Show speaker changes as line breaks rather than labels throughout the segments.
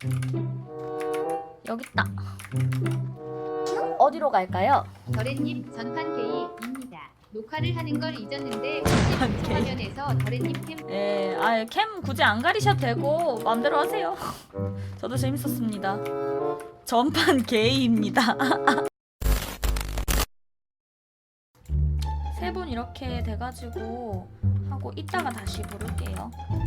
여기 있다. 어디로 갈까요?
더래님 전판 게이입니다. 녹화를 하는 걸 잊었는데
게이.
화면에서 더래님 캠
예, 캠 굳이 안 가리셔도 되고 마음대로 하세요. 저도 재밌었습니다. 전판 게이입니다. 세 분 이렇게 돼가지고 하고 이따가 다시 부를게요.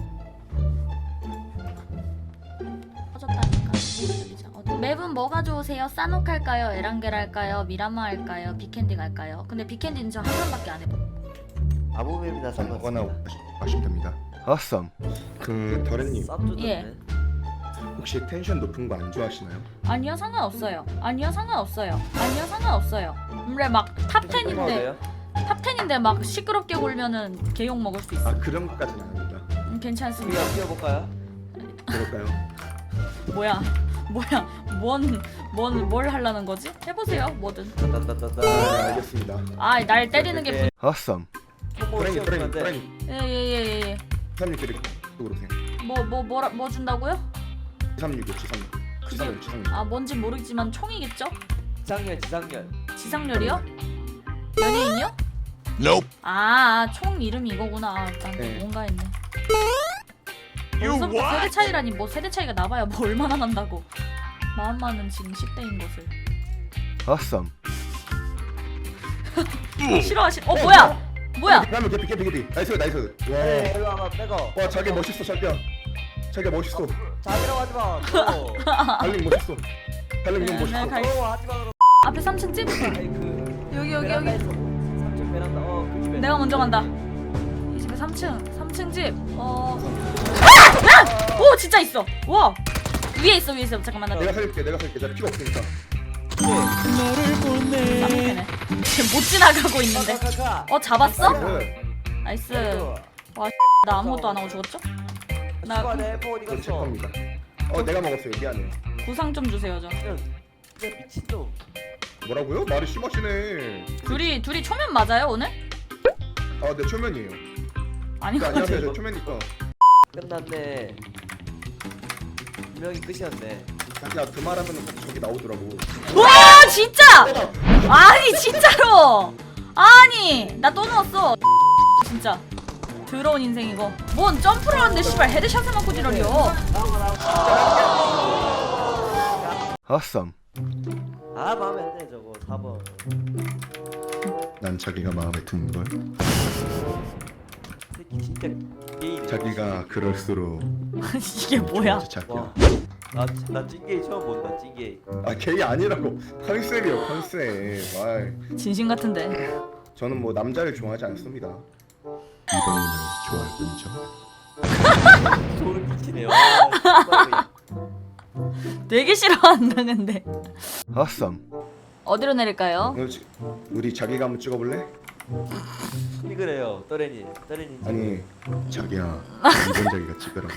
꺼졌다니까. 맵은 뭐가 좋으세요? 싸녹 할까요? 에란겔 할까요? 미라마 할까요? 비캔디 갈까요? 근데 비캔디는 저 한 번밖에 안 해봐.
아무 맵이나
뭐나
상관없습니다.
하시면 됩니다.
아썸.
그 더래님
예.
혹시 텐션 높은 거 안 좋아하시나요?
아니요, 상관없어요. 아니요, 상관없어요. 아니요, 상관없어요. 그래 막 탑10인데 탑10인데 막 시끄럽게 굴면은 개욕 먹을 수 있어.
아 그런 것까지는 아닙니다.
괜찮습니다.
우리가 뛰어볼까요?
그럴까요?
뭐야 뭘 하려는 거지? 해보세요, 뭐든.
따따따따.
네, 알겠습니다.
날 때리는 게
아썸.
도라님
예예예예.
366 드릴 쪽으로 오세요.
뭐 준다고요?
366 지상렬.
뭔진 모르겠지만 총이겠죠?
지상렬.
지상렬이요? 연예인이요?
Nope.
총 이름이 이거구나. 일단
네.
뭔가 했네. 벌써부터 세대 차이라니 뭐 세대 차이가 나봐야 뭐 얼마나 난다고. 마음만은 지금 10대인 것을.
아썸.
뭐야?
그러면 개피. 나이스.
네, 일로 와봐 빼고.
와 자기 멋있어 자기야. 자기가 멋있어.
자기라고 하지 마.
달링 멋있어. 달링 형 멋있어.
갈-
하지 마.
앞에 3층 집.
아니 그
여기.
베란다에서 3층 베란다. 그 집에.
내가 먼저 간다. 이 집에 3층 집. 오, 진짜 있어. 와. 위에 있어. 잠깐만 나.
내가 살릴게. 나 피가 없으니까.
쌍패네. 지금 못 지나가고 있는데. 잡았어?
네.
나이스. 나 아무것도 안 하고 죽었죠? 나
나 내포 어디
이거 제
갔어?
겁니다. 내가 먹었어요. 미안해.
구상 좀 주세요, 저.
진짜 미친놈.
뭐라고요? 말이 심하시네.
둘이 초면 맞아요, 오늘?
네 초면이에요.
아닌 것
안녕하세요.
같아.
저 초면이니까.
끝났네. 분명히 끝이었네.
자기야 그 말하면 저기 나오더라고.
와, 진짜! 아니, 진짜로! 아니, 나 또 넣었어. 진짜. 더러운 인생 이거. 뭔 점프를 하는데 씨발 헤드샷을 맞고 지랄이야.
아썸.
마음에 안 드네 저거 4번.
난 자기가 마음에 드는 걸.
새끼 진짜 게이네.
자기가 그럴수록
이게 뭐야?
진짜 자기야.
와. 나 찐게이 처음 본다 찐게이.
게이 아니라고. 컨셉이요 컨셉.
진심 같은데.
저는 뭐 남자를 좋아하지 않습니다. 이번에는 좋아할 뿐이죠.
소름 끼치네요. 와,
되게 싫어한다 근데.
아썸.
어디로 내릴까요?
우리 자기가 한번 찍어볼래?
그래요 떠레니.
아니 자기야 이번 자기가 찍으라고.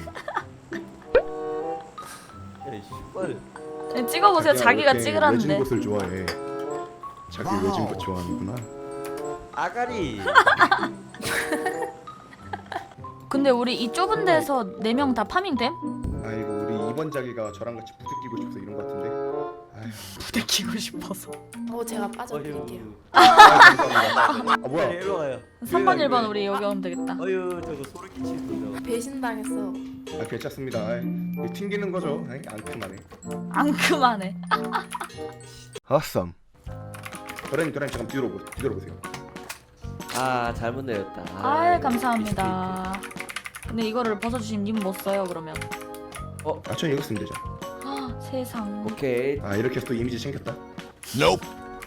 야 씨발.
찍어보세요. 자기가
이렇게
찍으라는데.
외진 곳을 좋아해. 자기 외진 곳 좋아하는구나.
아가리.
근데 우리 이 좁은 데서 4명 다 파밍됨?
아이고 우리 이번 자기가 저랑 같이 부대끼고 싶어서 이런 것 같은데. 아휴.
부대끼고 싶어서.
제가 빠져드릴게요.
감사합니다. 뭐야?
일로 와요.
3번 1번 우리 여기 오면 되겠다.
어휴 저거 소름 끼치는 거죠.
배신당했어.
괜찮습니다. 이거 튕기는 거죠. 앙큼하네.
앙큼하네.
아썸.
도라님 잠깐 뒤로 보세요.
잘못 내렸다.
아,
감사합니다. 근데 이거를 벗어주시면 님 못 써요 그러면.
전 이거 쓰면 되죠.
세상.
오케이.
이렇게 해서 또 이미지 챙겼다.
Nope.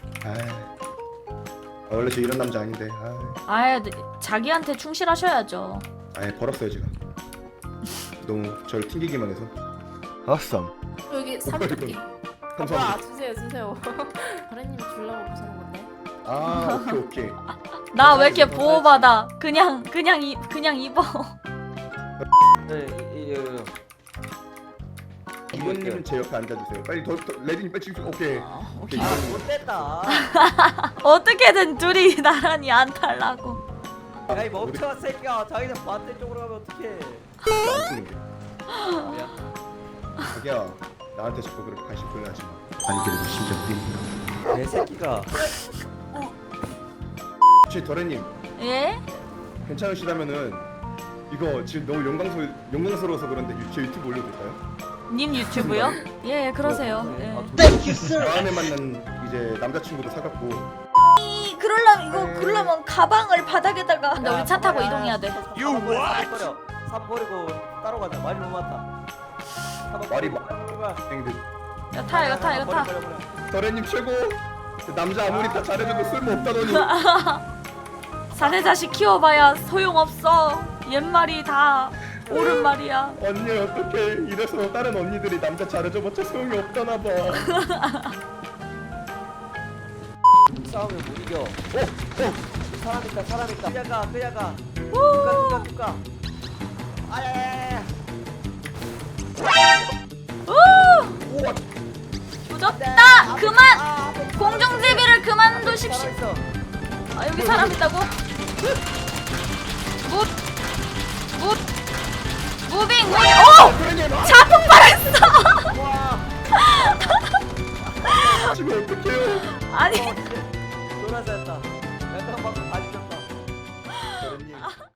원래 저 이런 남자 아닌데.
자기한테 충실하셔야죠.
벌었어요 제가. 너무 저를 튕기기만 해서.
아썸.
여기 삼토끼.
감사합니다.
주세요. 도래님 주려고 보시는 건데.
오케이.
나 왜 이렇게 보호받아? 그냥 입어.
네,
이번님은 제 옆에 앉아주세요. 빨리 더 레디님 빨리 찍고. 오케이.
오케이.
못됐다.
어떻게든 둘이 나란히 안 탈라고.
야이 멍청한 새끼야. 자기는 반대쪽으로 가면 어떡해.
안 쓰는 게. 자기야 나한테 자꾸 그렇게 관심 보여하지 마. 아니 그래도 심장 뛴다.
내 새끼가.
혹시 도련님
예?
괜찮으시다면은 이거 지금 너무 영광스러워서 그런데 제 유튜브 올려도 될까요?
님 유튜브요? 예, 그러세요. 예.
다음에 만난 이제 남자친구도 사갖고
그러려면 가방을 바닥에다가. 근데 우리 차 타고 이동해야 돼.
You what? 삽 버리고 따로 가자. 말이 너무 많다.
말이
많아.
땡들.
이거 타, 이거 타, 이거 타.
도련님 최고. 남자 아무리 다 잘해줘도 쓸모없다더니.
사내 자식 키워봐야 소용없어. 옛말이 다 옳은 말이야.
언니 어떡해 이래서 다른 언니들이 남자 잘해줘봤자 소용이 없다나봐.
싸우면 못 이겨. 사람 있다, 사람 있다. 그냥 가. 누가. 아야야야.
우와
조졌다. 그만. 공중제비를 그만두십시오.
사람 있어.
아, 여기 사람 있다고? 무빙. 오! 자폭 발했어.
와.
지금 어떡해요.
아니.
놀아서 했다. 약간 방금 다 죽였다.
도련님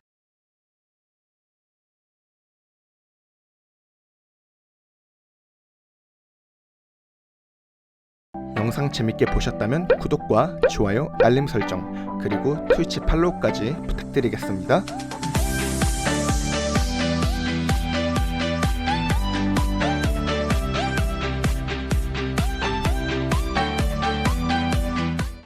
영상 재밌게 보셨다면 구독과 좋아요, 알림 설정, 그리고 트위치 팔로우까지 부탁드리겠습니다.